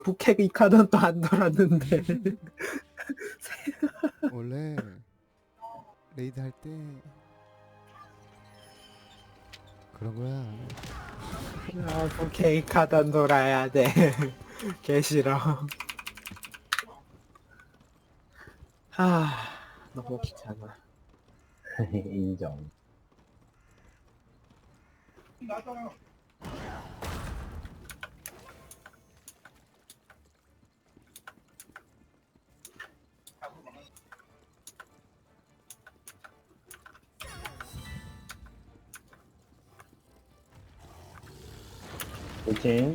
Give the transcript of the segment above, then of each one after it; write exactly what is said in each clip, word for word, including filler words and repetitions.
부캐 이 카드는 또 안 돌았는데. 원래 레이드 할 때 그런 거야. 아, 부캐 이 카드는 돌아야 돼. 개 싫어. 아, 너무 귀찮아. 인정. 그치?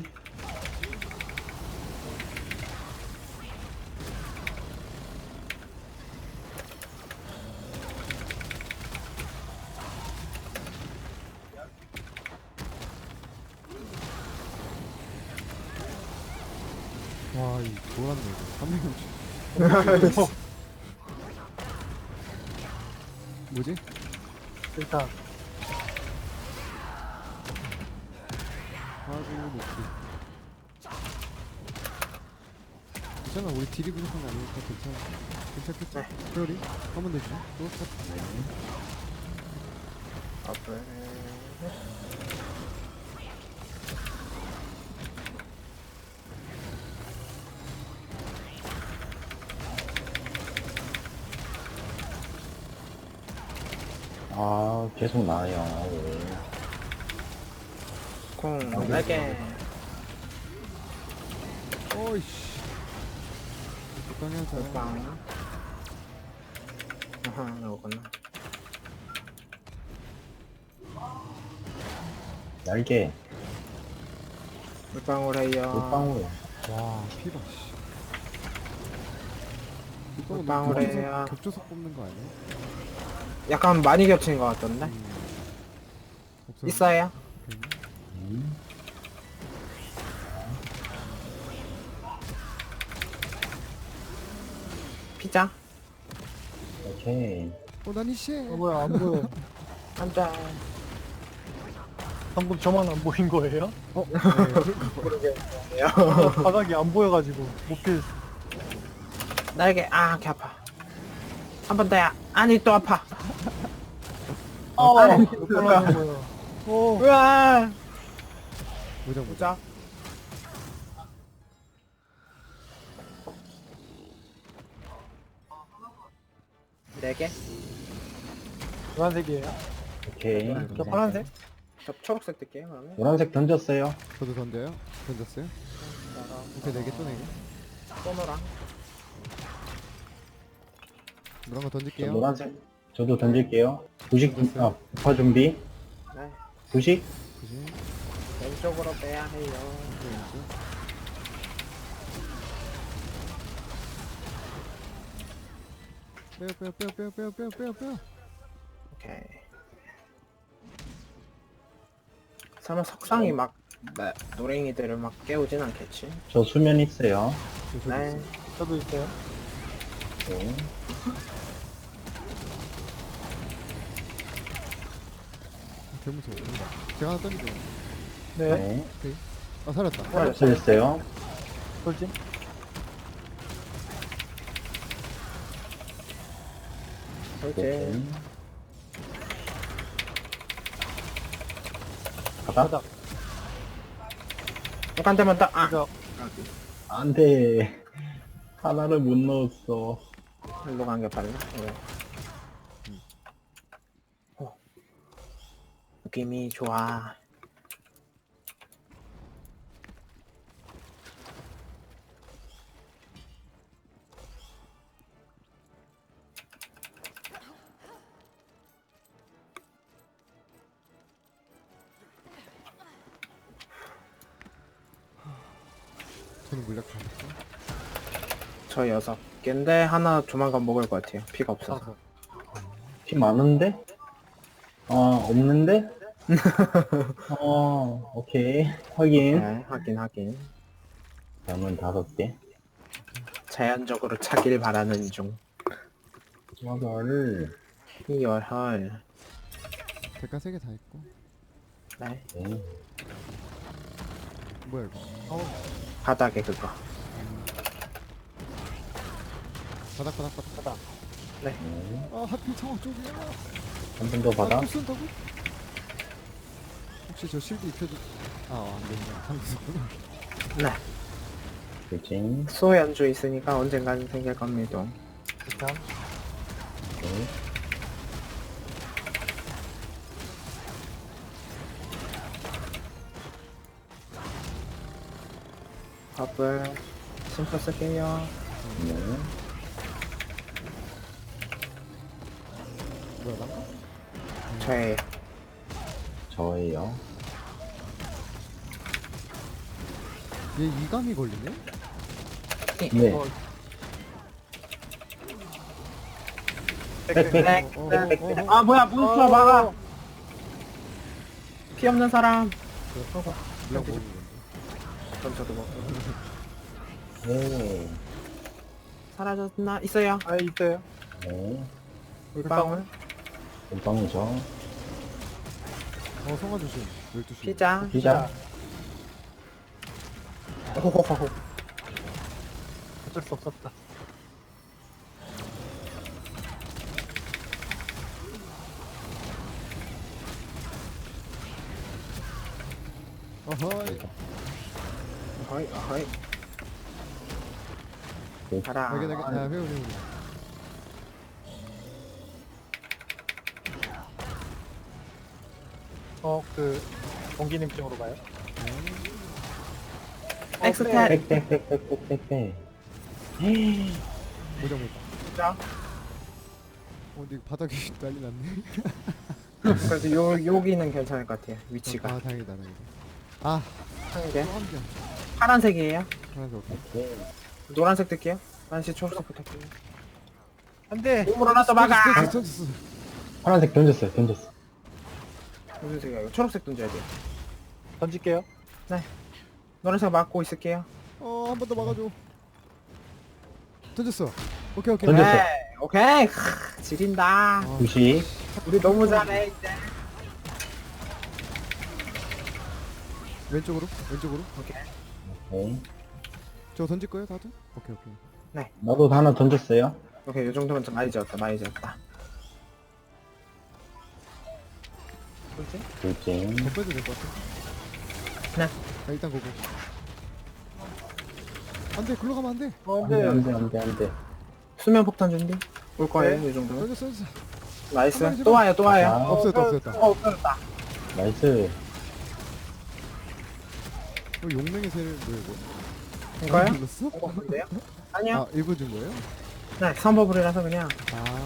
와, 이 돌았네 이거. 삼백육십. 뭐지? 일단 하고 높이. 괜찮아, 우리 딜이 부족한 거 아니니까 괜찮아. 괜찮겠지? 프로리? 한 번 더 주자. 또 스타트. 아, 계속 나와요. 왜. 공, 네 개. 어이씨. 적당히 하자. 빵. 아하, 이거구나. 날개, 물방울 해요. 물방울. 와, 피봐, 씨. 이거 너 물방울이에요. 겹쳐서, 겹쳐서 뽑는 거 아니야? 약간 많이 겹친 것 같던데? 음. 없어. 있어요? 오케이. 음. 피자? 오케이. 어, 나니씨. 어 뭐야 안 보여. 한 잔. 방금 저만 안 보인 거예요? 어, 네, 그럴까 봐. 모르겠네요. 바닥이 안 보여가지고 못 피했어. 날개, 아, 개 아파. 한 번 더야. 아니, 또 아파. 어, 아니, 몇 번 하는 거야. 오, 으아! 무장 무장. 보자. 네 개? 노란색이에요. 오케이. 저 파란색? 저 초록색 뜰게요, 그러면. 노란색 던졌어요. 저도 던져요? 던졌어요? 오케이, 네 개 또 네 개. 소노랑. 노란 거 저 던질게요. 노란색. 저도 던질게요. 부식, 던졌어요. 아, 부파 준비. 네. 부식. 그지? 왼쪽으로 빼야 해요. 왼쪽, 왼쪽. 빼요, 빼요, 빼요, 빼요, 빼요, 빼요, 빼요, 빼요. 오케이. 설마 석상이 막, 네, 노랭이들을 막 깨우진 않겠지? 저 수면 있어요. 저도 네. 있어요. 저도 있어요. 네. 개 무서워. 제가 하나 던져. 네. 네. 아, 살았다. 던졌어요. 돌진. 그렇지. 오케이. 바닥? 바닥. 한 대만 딱, 아! 이거 안 돼. 하나를 못 넣었어. 일로 간 게 빨라? 네. 어. 느낌이 좋아. 저는 물약 다 했어. 저 여섯 개인데 하나 조만간 먹을 것 같아요. 피가 없어서. 피 많은데? 어, 없는데? 어, 오케이. 확인. 네, 하긴 하긴. 남은 다섯 개. 자연적으로 차길 바라는 중. 이거를, 이열헐. 대가 세 개 다 있고. 네. 네. 뭐야 이거? 바닥에 그거. 바닥 바닥 바닥. 바닥. 네. 아 하필 창호 쪽이야. 한 번 더 아, 받아. 또 쓴다고? 혹시 저 실드 입혀줘? 아 안되구나. 상기했구나. 네. 돌진. 수호 연주 있으니까 언젠가는 생길 겁니다. 일단 네. 버블 심포 쓸게요. 네. 뭐야 난가? 저예요. 저예요. 얘 이감이 걸리네? 네. 어, 백, 백. 백, 어, 백. 어, 어, 어. 아 뭐야 몬스터 막아. 피 없는 사람. 물량 먹는 건데. 그럼 저도 먹고. 네. 사라졌나? 있어요. 아 있어요. 네. 물방울. 금방이죠. 어 성화 조심. 열두 시. 피자. 피자. 호호호호. 어쩔 수 없었다. 어허이. 어이 어이. 네. 가라. 나게 나게. 아 회오리 회오리. 어그 공기님 쪽으로 가요. 엑스텔. 백, 백, 백, 백, 백, 백, 백. 모장 모장. 자. 어 근데 바닥이 난리 났네. 그래서 요 여기는 괜찮을 것 같아요. 위치가 아 다행이다 다행이다. 아 한 개. 또한 개. 파란색이에요. 하나도 없고. 네. 노란색 뜰게요. 반시 초록색 부탁드려요. 안돼. 몸으로 하나 더 막아. 던졌어 던졌어. 파란색 던졌어요, 던졌어. 무슨 색이야 이거? 초록색 던져야 돼요. 던질게요. 노란색 막고 있을게요. 어한 번 더 막아줘. 던졌어. 오케이 오케이. 던졌어. 네, 오케이. 크, 지린다. 아, 구십. 우리 너무 잘해 이제. 왼쪽으로 왼쪽으로. 네. 저 던질 거예요 다들? 오케이 오케이. 나도 하나 던졌어요. 오케이 이 정도면 좀 많이 지었다. 많이 지었다. 돌진. 돌진. 더 빼도 될 것 같아. 네. 자 일단 고고. 안돼 글로 가면 안돼. 어 안 돼, 안 안돼. 돼, 안 돼, 안 돼. 수면 폭탄 준비. 올 거예요 네. 이 정도면. 던졌어 던졌어. 나이스. 또 와요 또 와요. 아, 없어졌다 어, 없어졌다. 어 없어졌다. 나이스. 어, 용맹의 새를 뭐야 이거? 이거요? 눌렀어? 이거 뭔데요? 아니요. 아 일본 준 거예요? 네 선버블이라서 그냥 아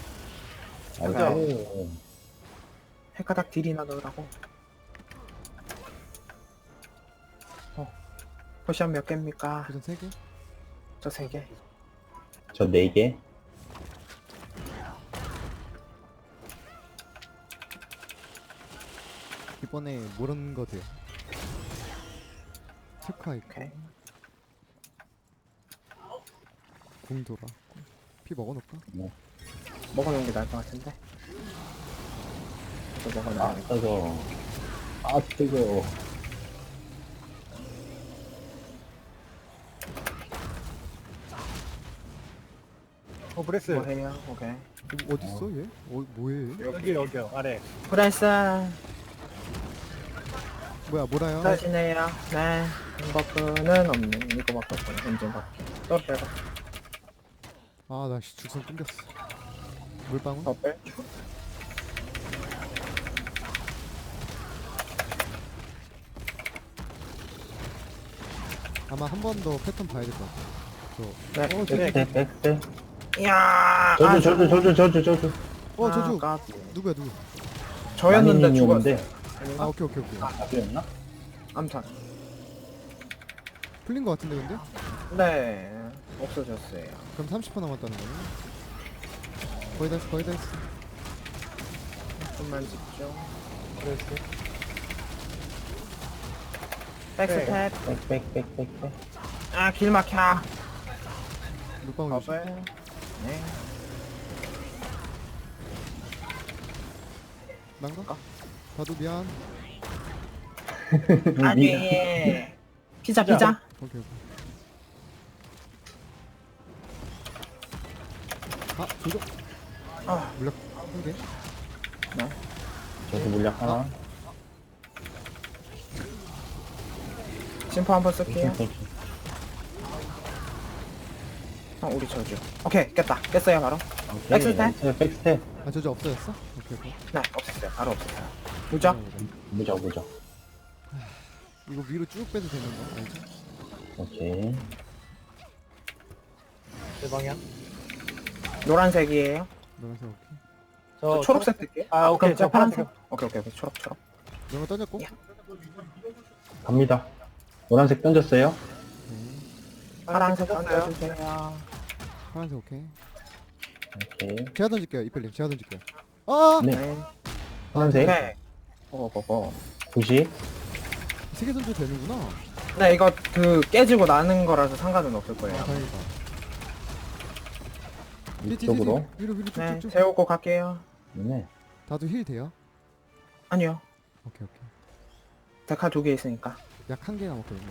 나이스. 핵가닥 딜이나 넣으라고. 어. 포션 몇 개입니까? 도전 세 개? 저 세 개. 저 네 개. 이번에 모른 거 돼요. 특화 있고 오케이. 궁 돌아. 피 먹어놓을까? 먹어놓은 게 나을 것 같은데. 또 아, 먹어놔. 뜨거. 아, 뜨거. 어 브레스. 뭐 해요? 오케이. 이거 어딨어 얘? 어 뭐해? 여기 여기요 아래. 브레스 뭐야 뭐라요? 사시네요. 네. 버프는 없네. 이거밖에 없네. 엔진 버프. 또 빼고. 아나 죽선 끊겼어. 물방울? 버플. 아마 한 번 더 패턴 봐야 될 것 같아. 저. 네. 어, 네. 백, 백, 백. 이야. 저주, 저주, 저주, 저주, 저주. 어 아, 저주. 까비. 누구야 누구? 저였는데 마니님이 죽었어. 오는데. 아 아닌가? 오케이 오케이 오케이. 답이었나? 암튼. 풀린 것 같은데 근데? 네. 없어졌어요. 그럼 삼십 퍼 남았다는 거네. 거의 다 했어 거의 다 했어. 좀만 집중. 브레스. 백스텝. 백, 백, 백, 백, 백. 아, 길 막혀. 물방울 조심. 버블. 네. 난가? 다도 미안. 아니. 피자, 피자. 오케이 오케이. 아 조조. 아, 물약 한 개. 저도 물약 하나. 심포 한번 쓸게요. 땡큐. 형 우리 저주. 오케이 깼다. 깼어요 바로. 오케이. 백스텝? 나이스, 백스텝. 아 조조 없어졌어? 오케이 오케이. 네 없었어요. 바로 없었어요. 무적. 무적, 무적. 이거 위로 쭉 빼도 되는 거 알죠? 오케이. 제 방향. 노란색이에요. 노란색 오케이. 저 초록색 뜰게. 아, 오케이. 그럼 저 저 파란색. 파란색. 오케이 오케이 오케이 초록 초록. 노란 던졌고. 야. 갑니다. 노란색 던졌어요. 오케이. 파란색 떴어요. 던져주세요. 파란색 오케이. 오케이. 제가 던질게요 이펠님 제가 던질게요. 아! 네. 네. 파란색. 오케이. 고고고. 구십. 세개 던져도 되는구나. 네 이거 그 깨지고 나는 거라서 상관은 없을 아 거예요. 다행이다. 이쪽으로. 위로 위로 네 쭉쭉쭉. 재우고 갈게요. 네. 다도 힐 돼요? 아니요. 오케이 오케이. 데카 두 개 있으니까. 약 한 개 남았거든요.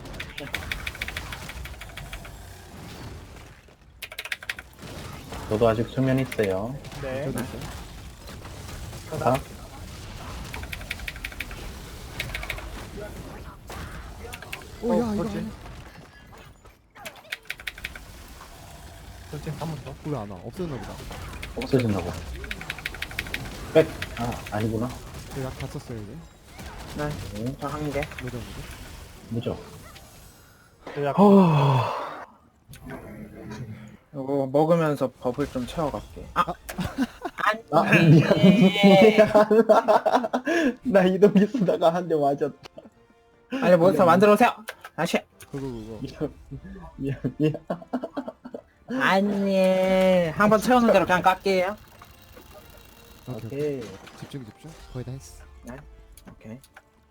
저도 아직 수면 있어요. 네. 저도 있어요. 하나. 오야 어, 이거 그렇지. 아니야. 돌진 한 번 더. 왜안 와? 없어졌나 보다. 없어졌나 봐. 백. 아, 아니구나. 저약다 썼어요 이제. 네. 네. 저 한 개. 뭐죠 뭐죠? 무적. 저 약. 어. 이거 먹으면서 버블 좀 채워갈게. 아. 아, 미안. 미안. 나 이동기 쓰다가 한 대 맞았다. 아니 몬스터 만들어 오세요. 다시. 그거 그거. 미안. 미안, 미안. 아니 한 번 채우는 대로 그냥 깎게요. 오케이 오케이. 오케이. 집중 집중. 거의 다 했어. 오케이.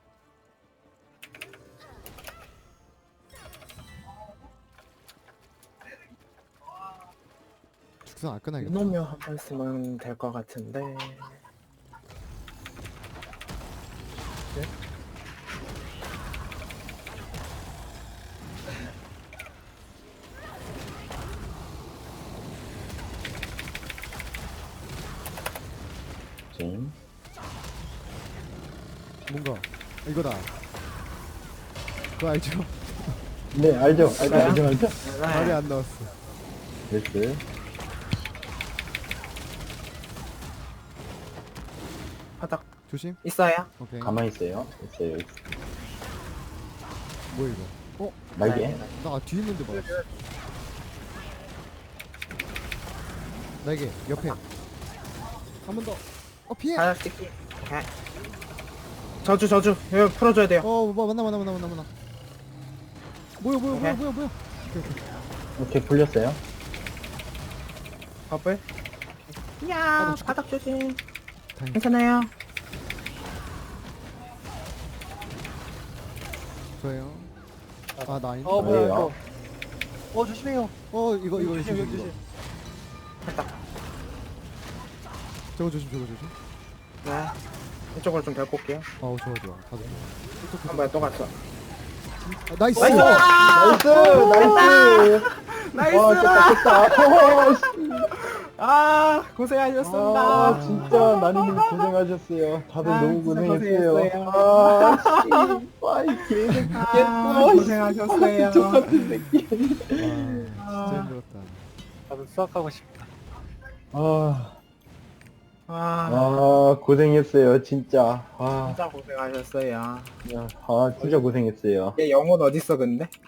죽선 안 끝나겠다. 이놈요 한 번 쓰면 될 것 같은데. 지금. 뭔가 아, 이거다. 그거 알죠? 네, 알죠. 알죠, 그래요? 알죠, 알죠. 말이 안 나왔어. 됐어. 바닥 조심. 있어요? 오케이. 가만히 있어요. 있어요, 있어. 뭐야 이거? 어? 날개. 나 뒤에 있는데 봐. 날개 옆에. 한 번 더. 어 피해. 바닥 찍기. 오케이. 저주 저주 여기 풀어줘야 돼요. 어 뭐, 만나 만나 만나 만나 만나. 뭐야 뭐야 뭐야 오케이. 뭐야 뭐야. 오케이, 오케이. 오케이, 풀렸어요. 버블. 아, 야 나 죽겠다. 바닥 조심. 다행. 괜찮아요. 저예요. 아 나 아닌데. 어 뭐야 뭐예요? 이거. 어 조심해요. 어 이거 이거 조심 조심 여기 이거. 조심. 바닥. 저거 조심 저거 조심. 네. 이쪽으로 좀 데리고 올게요. 어우 좋아 좋아. 다들. 한 번에 또 갔어. 아, 나이스. 나이스! 나이스! 나이스! 나이스! 와, 깼다, 깼다. 오, 씨. 아 고생하셨습니다. 아, 진짜 나니님 고생하셨어요. 다들 아, 너무 진짜 고생했어요. 고생했어요. 아, 씨. 와이 개새끼 아, 깼어. 고생하셨어요. 똑같은 새끼. 와 진짜 힘들었다. 나도 수학하고 싶다. 아, 아, 아, 고생했어요, 진짜. 아, 진짜 고생하셨어요. 야, 아, 진짜 고생했어요. 얘 영혼 어딨어 근데?